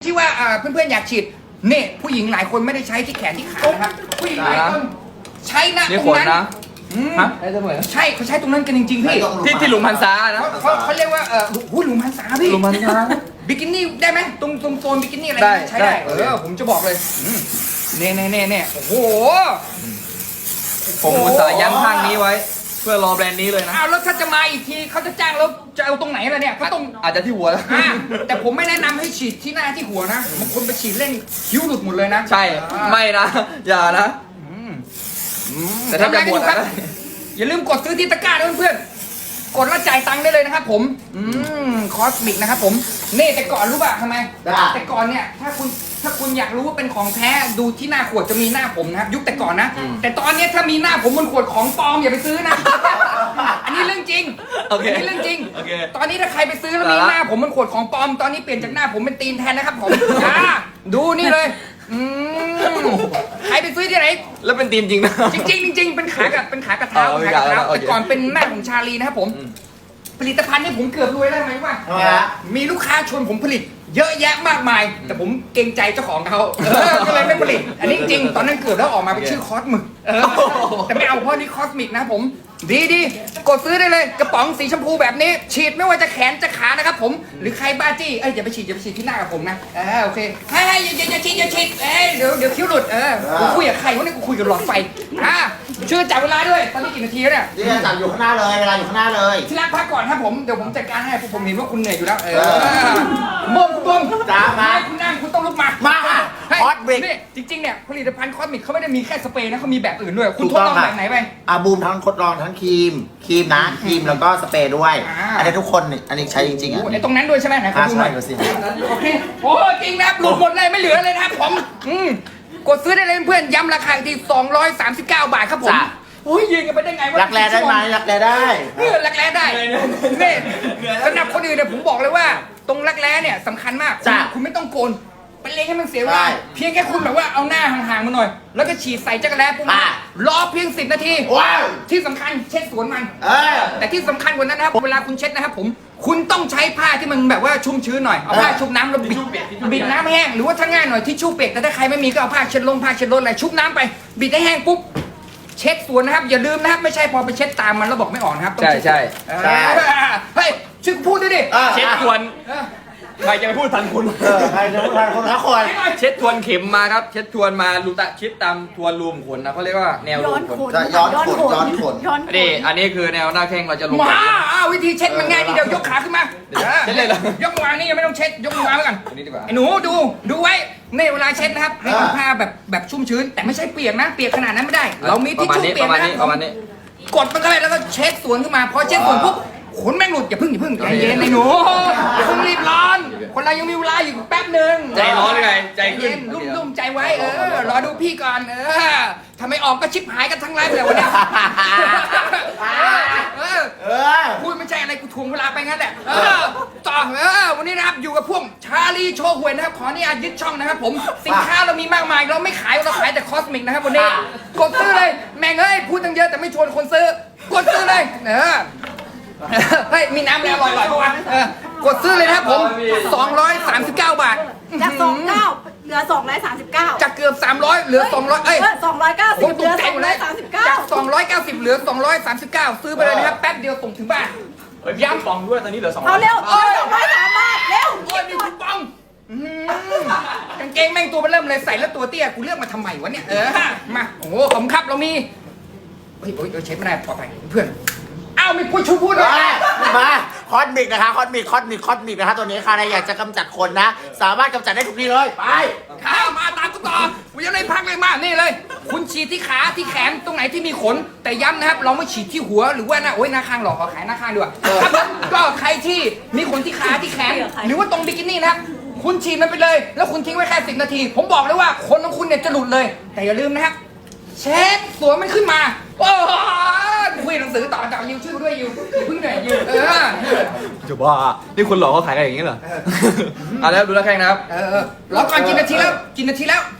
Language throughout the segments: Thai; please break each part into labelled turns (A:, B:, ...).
A: ที่ว่าเพื่อนๆอยากฉีดเนี่ยผู้หญิงหลายคนไม่ได้ใช้ที่แขนที่ขานะครับผู้หญิงหลายคนใช้นะตรงนั้น
B: ฮะได้เสมอ
A: ใช่เขาใช้ตรงนั้นกันจริงๆพี่
B: ที่หลุมพันษานะ
A: เขาเรียกว่าหลุมพันษาพี่
B: หลุมพันษา
A: บิกินี่ได้ไหมตรงโซนบิกินี่อะไรใช้ได้ผมจะบอกเลยเนี่ยโอ้โห
B: ผมอุตส่าห์ยั้งข้างนี้ไว้เพื่อรอแบรนด์นี้เลยนะ
A: อ้าวแล้วถ้าจะมาอีกทีเขาจะจ้างแล้วจะเอาตรงไหนล่ะเนี่ยเขาต้อง
B: อาจจะที่หัวแล้ว
A: แต่ผมไม่แนะนำให้ฉีดที่หน้าที่หัวนะบางคนไปฉีดเล่นคิ้วหลุดหมดเลยนะ
B: ใช่ไม่นะอย่านะแต่ถ้าจะบวชนะ
A: อย่าลืมกดซื้อที่ตะกร้าด้วยเพื่อนกดแล้วจ่ายตังค์ได้เลยนะครับผมคอสมิกนะครับผมนี่แต่ก่อนรู้ป่ะทำไมแต่ก่อนเนี่ยถ้าคุณอยากรู้ว่าเป็นของแท้ดูที่หน้าขวดจะมีหน้าผมนะครับยุคแต่ก่อนนะแต่ตอนนี้ถ้ามีหน้าผมบนขวดของปลอมอย่าไปซื้อนะอันนี้เรื่องจริงอันนี้เรื่องจริงตอนนี้ถ้าใครไปซื้อแล้วมีหน้าผมบนขวดของปลอมตอนนี้เปลี่ยนจากหน้าผมเป็นตีนแทนนะครับผมดูนี่เลยใครไปซื้อที่ไหน
B: แล้วเป็นตีนจริงนะ
A: จริงเป็นขากระเท้าแต่ก่อนเป็นหน้าของชาลีนะครับผมผลิตภัณฑ์นี่ผมเกือบรวยได้ไหมว่ามีลูกค้าชวนผมผลิตเยอะแยะมากมายแต่ผมเกรงใจเจ้าของเขาก็เลยไม่ผลิตอันนี้จริงตอนนั้นเกิดแล้วออกมาเป็นชื่อคอสมิกแต่ไม่เอาเพราะนี่คอสมิกนะผมดีกดซื้อได้เลยกระป๋องสีชมพูแบบนี้ฉีดไม่ว่าจะแขนจะขานะครับผมหรือใครบ้าจี้อย่าไปฉีดที่หน้ากับผมนะโอเคอย่าฉีดเดี๋ยวคิ้วหลุดกูคุยกับใครวะเนี่ยกูคุยกับหลอดไฟช่วยจับเวลาด้วยตอนนี้กี่นาทีแล้วเนี่ย
C: จับอยู่ข้างหน้าเลยเวลาอยู่ข้างหน้าเลย
A: ที่รักพักก่อนครับผมเดี๋ยวผมจัดการให้ผมเห็นว่าคุณเหนื่อยอยู่แล้วบุ้ม
C: จ้ามา
A: คุณนั่งคุณต้องลุกมา
C: คอสมิก
A: นี่จริงๆเนี่ยผลิตภัณฑ์คอสมิกเขาไม่ได้มีแค่สเปรย์นะเขามีแบบอื่นด้วยคุณทดลองแบบไหนไป
C: บูมทั้งทดลองทั้งครีมนะครีมแล้วก็สเปรย์ด้วยอันนี้ทุกคนอันนี้ใช้จริงๆ
A: ไอ้ตรงนั้นด้วยใช่ไหมไหนคุณดูหน่อยโอเคโอ้จริงนะหลุดหมดเลยไม่เหลือเลยนะครับผมกดซื้อได้เลยเพื่อนย้ำราคาที่239 บาทครับผมโอ้ยยืนกันไปได้ไงวะ
C: รักแร้ได้ไหมรักแร้ได้
A: รักแร้ได้นี่สำหรับคนอื่นเนี่ยผมบอกเลยว่าตรงรักแร้เนี่ยสำคัญมากคุณไม่ต้องโกนไปเล็งให้มันเสียเวลาเพียงแค่คุณแบบว่าเอาหน้าห่างๆมาหน่อยแล้วก็ฉีดใส่จักรแร้ปุ๊บรอเพียง10 นาทีที่สำคัญเช็ดสวนมันแต่ที่สำคัญกว่านั้นนะครับเวลาคุณเช็ดนะครับผมคุณต้องใช้ผ้าที่มันแบบว่าชุ่มชื้นหน่อยเอาผ้าชุบน้ำแล้วบิดน้ำแห้งหรือว่าถ้าง่ายหน่อยทิชชู่เปียกแต่ถ้าใครไม่มีก็เอาผ้าเช็ดลมอะไรชุบน้ำไปบิดให้แห้งปุ๊บเช็ดสวนนะครับอย่าลืมนะครับไม่ใช่พอไปเช็ดตามมันแล้วบอกไม่ออกนะครับ
B: ใช่
A: เฮ้ยช่วยพูดด้วยดิ
B: เช็ดทวนใครจะไปพูดทันคุณ
C: ใครจะพูดทันคนละคน
B: เช็ดทวนเข็มมาครับเช็ดทวนมาลูตะชิดตามทวนรูมขนนะเขาเรียกว่าแนวรูมขน
C: ย้อนขน
B: นี่อันนี้คือแนวหน้าแข้งเราจะลง
A: วิธีเช็ดมันง่ายนิดเดียวยกขาขึ้นมา
B: เช็ดเลยเหรอย
A: กมือวางนี่ยังไม่ต้องเช็ดยกมือวางไว้ก่อนไอ้หนูดูไว้ในเวลาเช็ดนะครับให้ผ้าแบบชุ่มชื้นแต่ไม่ใช่เปียกนะเปียกขนาดนั้นไม่ได้เรามีทิชชู่เปียกนะครับกดมันเข้าไปแล้วก็เช็ดสวนขึ้นมาพอเช็ดสวนปุ๊บขนแม่งหลุดอย่าพึ่งใจเย็นไอ้หนูอย่าเพิ่งรีบร้อนคนเรายังมีเวลาอยู่แป๊บหนึ่ง
B: ใจร้อนเลยใจขึ้น
A: รุ่มใจไว้รอดูพี่ก่อนทำไมออกก็ชิบหายกันทั้งไลฟ์เลยวันนี้พูดไม่ใช่อะไรกูทวงเวลาไปงั้นแหละต่อวันนี้นะครับอยู่กับพวกชาลีโชว์หวยนะครับขออนุญาตยึดช่องนะครับผมสินค้าเรามีมากมายเราไม่ขายเราขายแต่คอสมิกนะครับวันนี้กดซื้อเลยแม่งพูดตั้งเยอะแต่ไม่ชวนคนซื้อกดซื้อเลยเฮ้ยมีน้ำแล้วอร่อยๆป่ะกดซื้อเลยนะครับผม239 บาท
D: จาก29เหลือ239
A: จากเกือบ300เหลือ200
D: 290
A: ผมตกใจหมดเลยจาก290เหลือ239ซื้อไปเลยนะครับแป๊บเดียวส่งถึงบ้าน
B: ย้ำฟองด้วยตอนนี้เหลือ200
D: เอาเร็ว203 บาทเร็ว
A: มีคูปองกางเกงแม่งตัวมันเริ่มเลยใส่แล้วตัวเตี้ยกูเลือกมาทำไมวะเนี่ยมาโอ้โหผมครับเรามีเฮ้ยเช็ดไม่ได้ปลอดภัยเพื่อนไม่พูดเลย
C: มาคอสมิกนะคะคอสมิกนะคะตัวนี้ค่ะใครอยากจะกำจัดคนนะสามารถกำจัดได้ทุกที่เลยไป
A: ข้ามาตามกูต่อกูยังไม่พักเลยมานี่เลยคุณฉีดที่ขาที่แขนตรงไหนที่มีขนแต่ย้ำนะครับเราไม่ฉีดที่หัวหรือว่าหน้าข้างหรอกขอขายหน้าข้างด้วยครับก็ใครที่มีขนที่ขาที่แขนหรือว่าตรงบิกินี่นะครับคุณฉีดมันไปเลยแล้วคุณทิ้งไว้แค่10 นาทีผมบอกเลยว่าขนของคุณเนี่ยจะหลุดเลยแต่อย่าลืมนะครับเช็ดสวมมันขึ้นมาโอ้คุยหนังสือต่อจากยูชื่อด้วยยูเพิ่งเหนื่อยยู
B: จะบ้านี่คุณหลอกเขาขายกันอย่างนี้เหรอแล้วดูแล้วแข่งนะครับ
A: รอก่อนกินนาทีแล้ว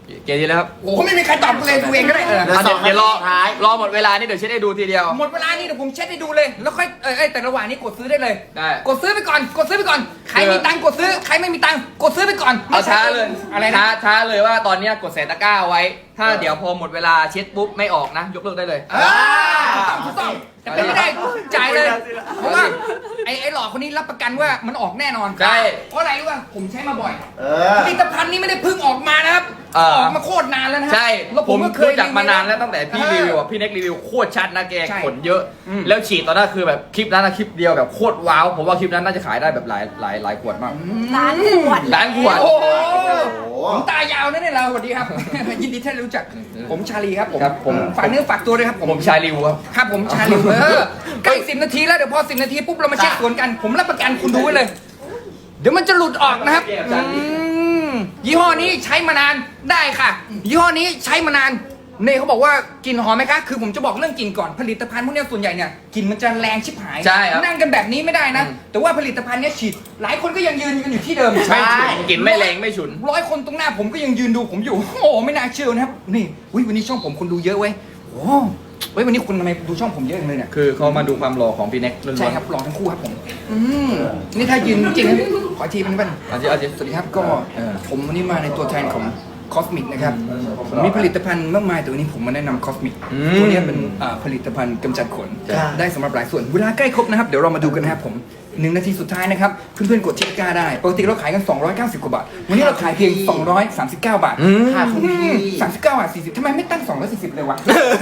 B: เกมที่แล้วครับ
A: โอ้โหไม่มีใครตอบเลยดูเองก็ได้
C: เหลือสอง
B: เดี๋ยวรอ
C: นาทีสุดท้าย
B: รอหมดเวลานี่เดี๋ยวเช็ดให้ดูทีเดียว
A: หมดเวลานี่เดี๋ยวผมเช็ดให้ดูเลย แล้วค่อยแต่ระหว่างนี้กดซื้อได้เลย
B: ได้
A: กดซื้อไปก่อนกดซื้อไปก่อนใครมีตังค์กดซื้อใครไม่มีตังค์กดซื้อไปก่อน
B: เอาช้าเลย
A: อะไร
B: ช้า
A: นะ
B: ช้าเลยว่าตอนเนี้ยกดใส่ตะกร้าไว้ ถ้าเดี๋ยวพอหมดเวลาเช็ดปุ๊บไม่ออกนะ ยกเลิกได้เลย
A: ถูกต้องแต่เป็นไม่ได้จ่ายเลย เพราะว่าไอ้หลอกคนนี้รับประกันว่ามันออกแน่นอน
B: ใช่
A: เพราะอะไรรู้ป่ะผมใช้มาบ่อย
C: เอ
A: ผ
C: อ
A: ลิตภัณฑ์นี้ไม่ได้เพิ่งออกมานะครับ
B: เออ
A: ออกมาโคตรนานแล้วนะ
B: ใช่
A: แล้ว
B: ผม
A: ก็เคย
B: รู้จักมานานแล้วตั้งแต่พี่รีวิวอ่ะพี่เน็กรีวิวโคตรชัดนะแก
A: ใช่
B: ขนเยอะ
A: อืม
B: แล้วฉีดตอนนั้นคือแบบคลิปนั้นนะคลิปเดียวแบบโคตรว้าวผมว่าคลิปนั้นน่าจะขายได้แบบหลายขวดมาก
D: ร้านขวด
B: ร้านขวด
A: โอ้โห
C: โอ้โห
A: ผมตายาวนะเนี่ยเราสวัสดีครับ ยินดีที่ได้รู้จักผมชาลีครับผม
B: ครับผม
A: ฝากเนื้อฝากตัวด้วยครับผม
B: ผมชายรีวิวครับ
A: ครับผมชาลีใกล้10 นาทีแล้วเดี๋ยวพอ10 นาทีปุ๊บเรามาเช็คสวนกัน ผมรับประกันคุณดูไว้เลย เดี๋ยวมันจะหลุดออกนะครับยี่ห้อนี้ใช้มานานได้ค่ะ ยี่ห้อนี้ใช้มานานเน่เขาบอกว่ากลิ่นหอมไหมคะคือผมจะบอกเรื่องกลิ่นก่อนผลิตภัณฑ์พวกเนี้ยส่วนใหญ่เนี่ยกลิ่นมันจะแรงชิบหาย
B: ใช่ครับ
A: นั่งกันแบบนี้ไม่ได้นะ แต่ว่าผลิตภัณฑ์เนี้ยฉีดหลายคนก็ยังยืนกันอยู่ที่เดิม
C: ใช่
B: ไม่ฉุนกลิ่นไม่แรงไม่ฉุน
A: 100 คนตรงหน้าผมก็ยังยืนดูผมอยู่ โอ้ไม่น่าเชื่อนะครับนี่อุ๊ยวันนี้ช่องผมคนดูเยอะเว้ยโอ้เว้ยวันนี้คุณทำไมดูช่องผมเยอะจังเลยเนี่ย
B: คือเขามาดูความหล่อของพี่เน็กล้วนๆ
A: ใช่ครับหล่อทั้งคู่ครับผมนี่ถ้ายืนจริงนะขออีกทีมันเป็น
B: เอาสิ
A: สวัสดีครับก็ผมวันนี้มาในตัวแทนของคอสมิกนะครับผมมีผลิตภัณฑ์มากมายแต่วันนี้ผมมาแนะนำคอสมิกตัวนี้เป็นผลิตภัณฑ์กำจัดขน
C: ครับ
A: ได้สำหรับหลายส่วนเวลาใกล้ครบนะครับเดี๋ยวเรามาดูกันนะครับผม1 นาทีสุดท้ายนะครับเพื่อนๆกดที่ตะกร้าได้ปกติเราขายกัน290 กว่าบาทวันนี้เราขายเพียง239 บาท
C: ค่ะคุณพี่
A: 39 บาท 40ทำไมไม่ตั้ง240เลยวะ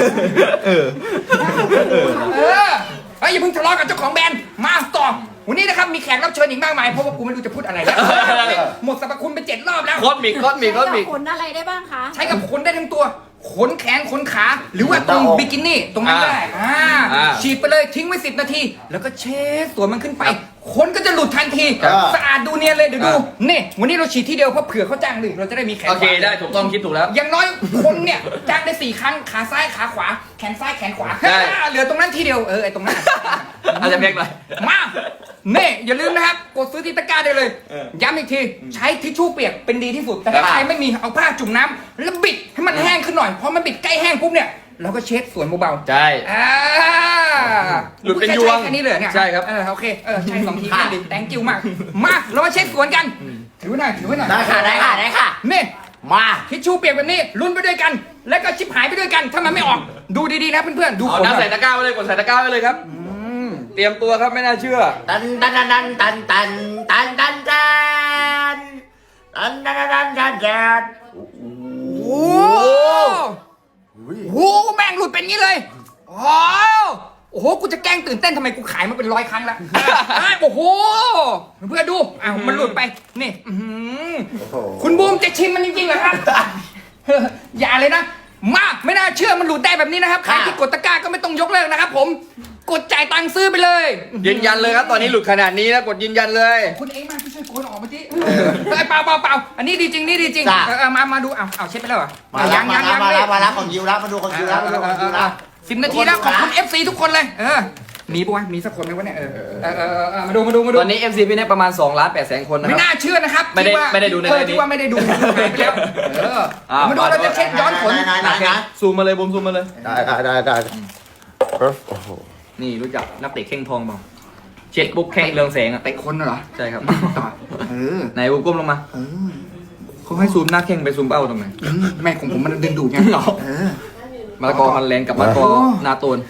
A: อย่าเพิ่งทะเลาะกับเจ้าของแบรนด์มาต่อวันนี้นะครับมีแขกรับเชิญอีกมากมายเพราะว่ากูไม่รู้จะพูดอะไรแล้วหมดสรรพคุณไป7 รอบแล้ว
B: คอสมิก
D: ใช้กับขนอะไรได้บ้างคะ
A: ใช้กับขนได้ทั้งตัว ขนแขนขนขา หรือว่าตรงบิกินี่ตรงนั้นก็ได้ฉีดไปเลยทิ้งไว้10 นาที แล้วก็เช็ดตัวมันขึ้นไป ขนก็จะหลุดทันที สะอาดดูเนียนเลยเดี๋ยวดูนี่วันนี้เราฉีดที่เดียวเพราะเผื่อเขาจ้างหนึ่งเราจะได้มีแขน
B: โอเคได้ถูกต้องคิดถูกแล้ว
A: อย่างน้อยคนเนี่ยจ้างได้4 ครั้งขาซ้ายขาขวา แขนซ้ายแขนขวา
B: ได้
A: เหลือตรงนั้นทีเดียวไอ้ตรงนั้น
B: อาจจะเพียงหน่อย
A: มาเน่อย่าลืมนะครับ กดซื้อที่ตะกร้าได้เลย ย้ำอีกที ใช้ทิชชู่เปียกเป็นดีที่สุด แต่ถ้าใครไม่มีเอาผ้าจุ่มน้ำแล้วบิดให้มันแห้งขึ้นหน่อย พอมันบิดใกล้แห้งปุ๊บเนี่ยเราก็เช็ดสวนเบาๆ
B: ใช่ หลุดเป็นยวง
A: แค่นี้เลยเนี่ย
B: ใช่ครับ
A: โอเคใช่2 ทีก็ดี thank you มากมาเรามาเช็ดสวนกัน ถือไว้หน่อยถือไว้หน่อย
C: ได้ค่ะได้ค่ะได้ค่ะ
A: นี่
C: มา
A: ทิชชู่เปียกแบบนี้ลุ้นไปด้วยกัน แล้วก็ชิบหายไปด้วยกัน ถ้ามันไม่ออก ดูดีๆนะเพื่อนๆ ดู
B: เอา
A: ขน
B: น้ำใส่ตะกร้าไว้เลยกดใส่ตะกร้าไว้เลยครับเตรียมตัวครับไม่น่าเชื่อ
C: ตันตันตันตันตันตันตันตันตันตันตันตันตัน
A: โอ้โหแม่งหลุดเป็นงี้เลยโอ้โห กูจะแกล้งตื่นเต้นทำไมกูขายมาเป็น100 ครั้งแล้วโอ้โห เพื่อนดูมันหลุดไป นี่คุณบูมจะชิมมันจริงๆเหรอครับ อย่าเลยนะ มาไม่น่าเชื่อมันหลุดได้แบบนี้นะครับ ใครที่กดตะกร้าก็ไม่ต้องยกเลิกนะครับผม กดจ่ายตังค์ซื้อไปเลย
B: ยืนยันเลยครับตอนนี้หลุดขนาดนี้นะกดยืนยันเลย
A: คุณเองมาช่วยโกนออกมาที่เปล่าอันนี้ดีจริงนี่ดีจริงมาดูเอาเช็ดไปแล้วเหรอ
C: มาแล้วมาแล้วมาแล้วมาแล้วของยิวแล้วมาดูของยิวแล้วมาดูของยิวแล้ว
A: 10 นาทีแล้วขอบคุณ FC ทุกคนเลยมีปะวะมีสักคนไหมวะเนี่ยมาดู
B: ตอนนี้ FC พี่เน็กประมาณ2,800,000 คนนะค
A: ไม่
B: รับ
A: น่าเชื่อนะครับ
B: ไม่ได้ดูในนี้
A: ที่ว่าไม่ได้ดูหายไปแล้วมาดูเราจะเช็คย้อนผล
C: ไหน
B: ซูมมาเลยบูมซูมมาเลย
C: ได้โอ้โห
B: นี่รู้จักนักเตะแข้งทองเปล่าเช็ดปุ๊บแข้งเรืองแสงอ่ะ
A: เตะคนเหรอ
B: ใช่ครับ
A: ไห
B: นบูมก้มลงมาเขาให้ซูมหน้าแข้งไปซูมเป้าทำไม
A: แม่ของผมมันดึงดูดไง
B: มะละกอฮันแลนด์กับมะละกอนาโตน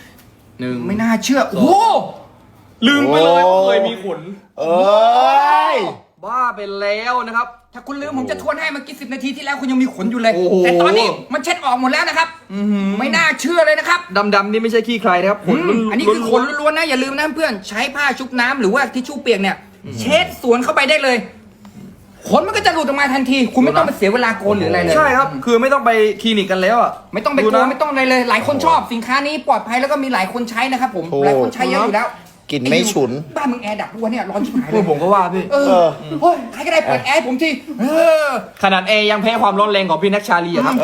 B: 1
A: ไม่น่าเชื่อโอ้
B: ลืมไปเลยว่าเคยมีขน
C: เอ้ย
B: บ้าไปแล้วนะครับ
A: ถ้าคุณลืมผมจะทวนให้เมื่อกี้10 นาทีที่แล้วคุณยังมีขนอยู่เลย
B: โอ้โห
A: แต่ตอนนี้มันเช็ดออกหมดแล้วนะครับไม่น่าเชื่อเลยนะครับ
B: ดำๆนี่ไม่ใช่ขี้ใครนะครับขน
A: อันนี้คือขนล้วนๆนะอย่าลืมนะเพื่อนใช้ผ้าชุบน้ำหรือว่าทิชชู่เปียกเนี่ยเช็ดสวนเข้าไปได้เลยขนมันก็จะหลุดออกมาทันที คุณไม่ต้องไปเสียเวลาโกนหรืออะไรเลย
B: ใช่ครับ คือไม่ต้องไปคลินิกกันแล้วอ่ะ
A: ไม่ต้องไปกลัวไม่ต้องอะไรเลย หลายคนชอบสินค้านี้ปลอดภัยแล้วก็มีหลายคนใช้นะครับผมหลายคนใช้เยอะอยู่แล้ว
C: กลิ่นไม่ฉุน
A: บ้านมึงแอร์ดับด้วยเนี่ยร้อนชิบหายเล
B: พวย กผมก็ว่าพี่
A: เฮ้ยใครก็ได้เปิดแอร์ให้ผมที
B: ขนาดเอยังแพ้ความร้อนแรงของพี่นักชาลีอะครับ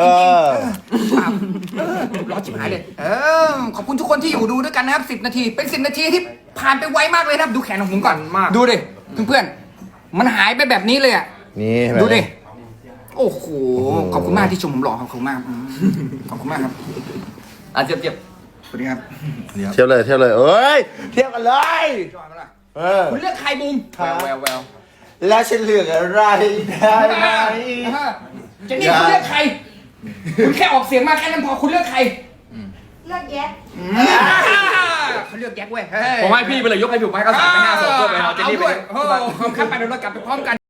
A: ร้อนชิบหายเลยขอบคุณทุกคนที่อยู่ดูด้วยกันนะครับ10 นาทีเป็น10 นาทีที่ผ่านไปไวมากเลยนะครับดูแขนของผมก่อน
B: มาก
A: ดูดิเพื่อนๆมันหายไปแบบนี้เลยอ่ะ
C: นี่
A: ดูดิโอ้โหขอบคุณมากที่ชมผมหล่อขอบคุณมากขอบคุณมากครับ
B: เจ็บ
A: สวัสดีครับ
C: เทียบเลยเอ้ยเทียบกันเลย
A: จอยมาละ
C: คุ
A: คุณ ณเลือกใครบูม
B: แวว
C: แล้วฉันเลือกอะไรได้ไหม
A: เจนนี่คุณเลือกใคร คุณแค่ออกเสียงมาแค่นั้นพอคุณเลือกใคร
D: เลือกแยะ
A: เขาเลือกแก๊กเว้ย
B: ผมให้พี่ไปเลยยกให้ผมให้เขา3 ไป 5 2เพื่อไปเอาเจนนี่ไป
A: โอ้โหครับไปเดี๋ยวเรากลับไปพร้อมกัน